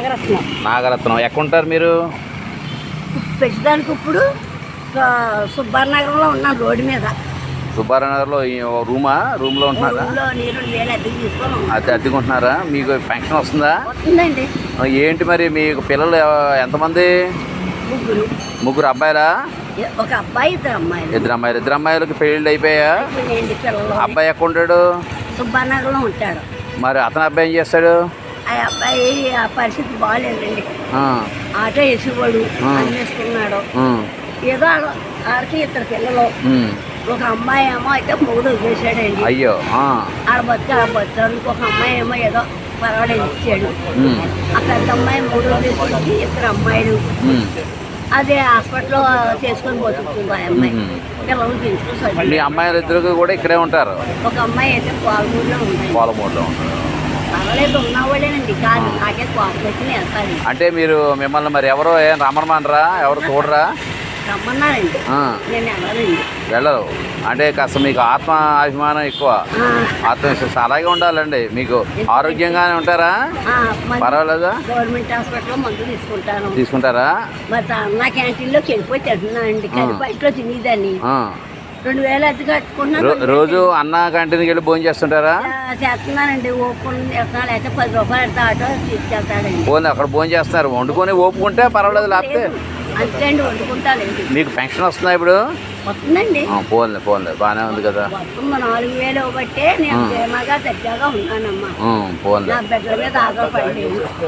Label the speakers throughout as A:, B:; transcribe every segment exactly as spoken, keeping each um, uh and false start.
A: నాగరత్నం.
B: నాగరత్నం ఎక్కడుంటారు మీరు?
A: ప్రస్తుతానికి ఇప్పుడు సుబ్బారనగరంలో ఉన్నాను, రోడ్డు మీద.
B: సుబ్బారనగర్లో రూమా రూమ్లో ఉంటున్నారా? అది అద్దెకుంటున్నారా? మీకు పెన్షన్ వస్తుందా?
A: వస్తుందండి.
B: ఏంటి మరి మీకు పిల్లలు ఎంతమంది?
A: ముగ్గురు.
B: ముగ్గురు అబ్బాయిలా?
A: ఒక అబ్బాయి, ఇద్దరు అమ్మాయిలు.
B: ఇద్దరు అమ్మాయిలు. ఇద్దరు అమ్మాయిలకి పెళ్ళిళ్ళు అయిపోయా? అబ్బాయి ఎక్కడ ఉంటాడు?
A: సుబ్బారనగరంలో ఉంటాడు.
B: మరి అతని అబ్బాయి ఏం చేస్తాడు?
A: ఆ అబ్బాయి ఆ పరిస్థితి బాగాలేదండి. ఆటో వేసేవాడు, అన్నేసుకున్నాడు. ఏదో ఆడికి ఇద్దరు పిల్లలు. ఒక అమ్మాయి ఏమో అయితే మూడు వదిలేసాడండి.
B: అయ్యో.
A: ఆడ బతుకు ఆడ బతుకు. ఇంకొక అమ్మాయి ఏమో ఏదో పర్వాలేదు ఇచ్చాడు. ఆ పెద్ద అమ్మాయి మూడు వదిలేసి ఇద్దరు అమ్మాయిలు అదే హాస్పిటల్లో చేసుకొని బతుకుతుంది. ఆ అమ్మాయి పిల్లలు పెంచుకొని.
B: మీ అమ్మాయిలు ఇద్దరు కూడా ఇక్కడే ఉంటారు?
A: ఒక అమ్మాయి అయితే పాలమూరులో ఉంది.
B: పాలమూరులో ఉంటారు.
A: పర్వాలేదు, ఉన్నవాళ్ళేనండి. కాదు నాకే కోపం వచ్చి వెళ్తాను.
B: అంటే మీరు మిమ్మల్ని మరి ఎవరో ఏం రమ్మనమానరా? ఎవరు చూడరా?
A: రమ్మన్నారండి, నేను వెళ్ళాలండి.
B: వెళ్ళరు అంటే కాస్త మీకు ఆత్మ అభిమానం ఎక్కువ, ఆత్మవిశ్వాసం అలాగే ఉండాలండి. మీకు ఆరోగ్యంగానే ఉంటారా? పర్వాలేదా?
A: గవర్నమెంట్ హాస్పిటల్లో మందులు తీసుకుంటాను.
B: తీసుకుంటారా?
A: మరి అన్న క్యాంటీన్లోకి వెళ్ళిపోయి తింటున్నానండి. కానీ బయటలో తినేదాన్ని. రెండు వేలు అద్దె కట్టుకుంటున్నాను.
B: రోజు అన్న క్యాంటీన్కి వెళ్ళి భోజనం చేస్తుంటారా?
A: చేస్తున్నానండి. ఓపెన్ చేస్తున్నాను, అయితే పది రూపాయలు అయితే ఆటో తీసుకెళ్తాడండి.
B: పోనీ అక్కడ భోజనం చేస్తున్నారు, వండుకొని ఓపుకుంటే పర్వాలేదు. లేకపోతే
A: అంతే అండి, వండుకుంటానండి.
B: మీకు పెన్షన్ వస్తుందా ఇప్పుడు?
A: వస్తుందండి.
B: పోన్లే పోన్లే బాగానే ఉంది కదా.
A: వస్తుంది. నాలుగు వేలు బట్టే నేను క్షేమగా దగ్గరగా ఉన్నానమ్మా.
B: పోన్లే.
A: నా బిడ్డల మీద ఆధారపడి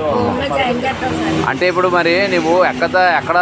B: అంటే ఇప్పుడు మరి నువ్వు ఎక్కడ ఎక్కడ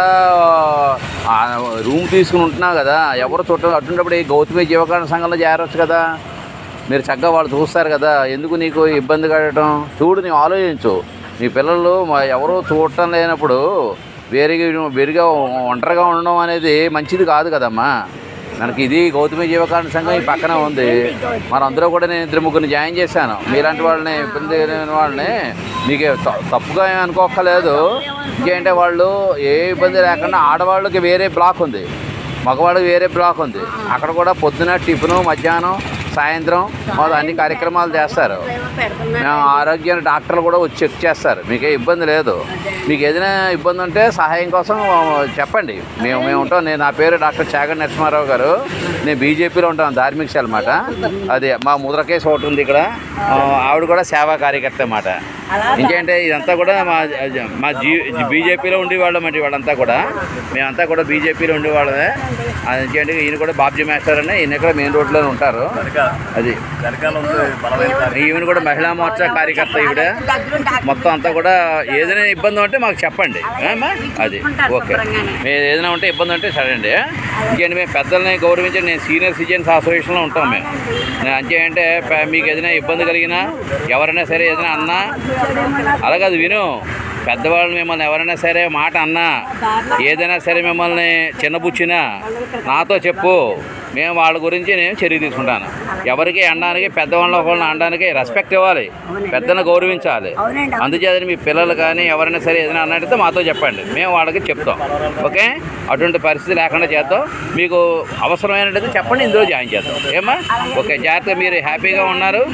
B: రూమ్ తీసుకుని ఉంటున్నావు కదా, ఎవరు చుట్ట అటుంటప్పుడు ఈ గౌతమి జీవకారణ సంఘంలో చేరవచ్చు కదా. మీరు చక్కగా వాళ్ళు చూస్తారు కదా, ఎందుకు నీకు ఇబ్బంది కట్టడం? చూడు, నీవు ఆలోచించు. నీ పిల్లలు ఎవరో చూడటం లేనప్పుడు వేరుగా వేరుగా ఒంటరిగా ఉండడం అనేది మంచిది కాదు కదమ్మా. మనకి ఇది గౌతమి జీవకారణ సంఘం ఈ పక్కన ఉంది. మరి అందరూ కూడా నేను ఇద్దరు ముగ్గురిని జాయిన్ చేశాను. మీలాంటి వాళ్ళని, ఇబ్బంది లేని వాళ్ళని మీకు తప్పుగా ఏమి అనుకోక్కర్లేదు. ఇంకేంటే వాళ్ళు ఏ ఇబ్బంది లేకుండా ఆడవాళ్ళకి వేరే బ్లాక్ ఉంది, మగవాళ్ళకి వేరే బ్లాక్ ఉంది. అక్కడ కూడా పొద్దున టిఫిను, మధ్యాహ్నం, సాయంత్రం మొదలు అన్ని కార్యక్రమాలు చేస్తారు. మేము ఆరోగ్య డాక్టర్లు కూడా వచ్చి చెక్ చేస్తారు. మీకే ఇబ్బంది లేదు. మీకు ఏదైనా ఇబ్బంది ఉంటే సహాయం కోసం చెప్పండి, మేము మేము ఉంటాం. నేను నా పేరు డాక్టర్ చాగంటి నరసింహారావు గారు. నేను బీజేపీలో ఉంటాను, ధార్మిక శాల అన్నమాట. అది మా ముద్రకేశ్ ఒకటి ఉంది ఇక్కడ, ఆవిడ కూడా సేవా కార్యకర్త అన్నమాట. ఇంకేంటే ఇదంతా కూడా మా మా జీ బీజేపీలో ఉండేవాళ్ళం అండి. వాళ్ళంతా కూడా మేమంతా కూడా బీజేపీలో ఉండేవాళ్ళమే. ఇంకేంటి ఈయన కూడా బాబ్జీ మాస్టర్ అని, ఈయన కూడా మెయిన్ రోడ్లోనే ఉంటారు. అది ఈవెన్ కూడా మహిళా మోర్చా కార్యకర్త ఈవిడ. మొత్తం అంతా కూడా ఏదైనా ఇబ్బంది ఉంటే మాకు చెప్పండి. అది ఓకే. మీరు ఏదైనా ఉంటే ఇబ్బంది ఉంటే సరే అండి. ఇంకేంటి మేము పెద్దల్ని గౌరవించండి. నేను సీనియర్ సిటిజన్స్ అసోసియేషన్లో ఉంటాం మేము. నేను అంతే మీకు ఏదైనా ఇబ్బంది కలిగినా, ఎవరైనా సరే ఏదైనా అన్నా, అలాగే అది విను. పెద్దవాళ్ళు మిమ్మల్ని ఎవరైనా సరే మాట అన్నా, ఏదైనా సరే మిమ్మల్ని చిన్నబుచ్చినా నాతో చెప్పు. మేము వాళ్ళ గురించి నేను చర్య తీసుకుంటాను. ఎవరికి అనడానికి, పెద్దవాళ్ళ ఒకళ్ళని అనడానికి రెస్పెక్ట్ ఇవ్వాలి, పెద్దలను గౌరవించాలి. అందుచేత మీ పిల్లలు కానీ ఎవరైనా సరే ఏదైనా అన్నట్టయితే మాతో చెప్పండి, మేము వాళ్ళకి చెప్తాం. ఓకే, అటువంటి పరిస్థితి లేకుండా చేద్దాం. మీకు అవసరమైనట్టయితే చెప్పండి, ఇందులో జాయిన్ చేద్దాం. ఏమా? ఓకే, జాగ్రత్తగా మీరు హ్యాపీగా ఉన్నారు.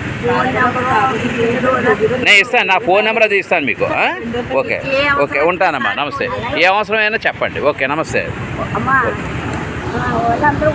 B: నేను ఇస్తాను, నా ఫోన్ నెంబర్ అది ఇస్తాను మీకు. ఓకే ఓకే, ఉంటానమ్మా. నమస్తే. ఏ అవసరమైనా చెప్పండి. ఓకే, నమస్తే.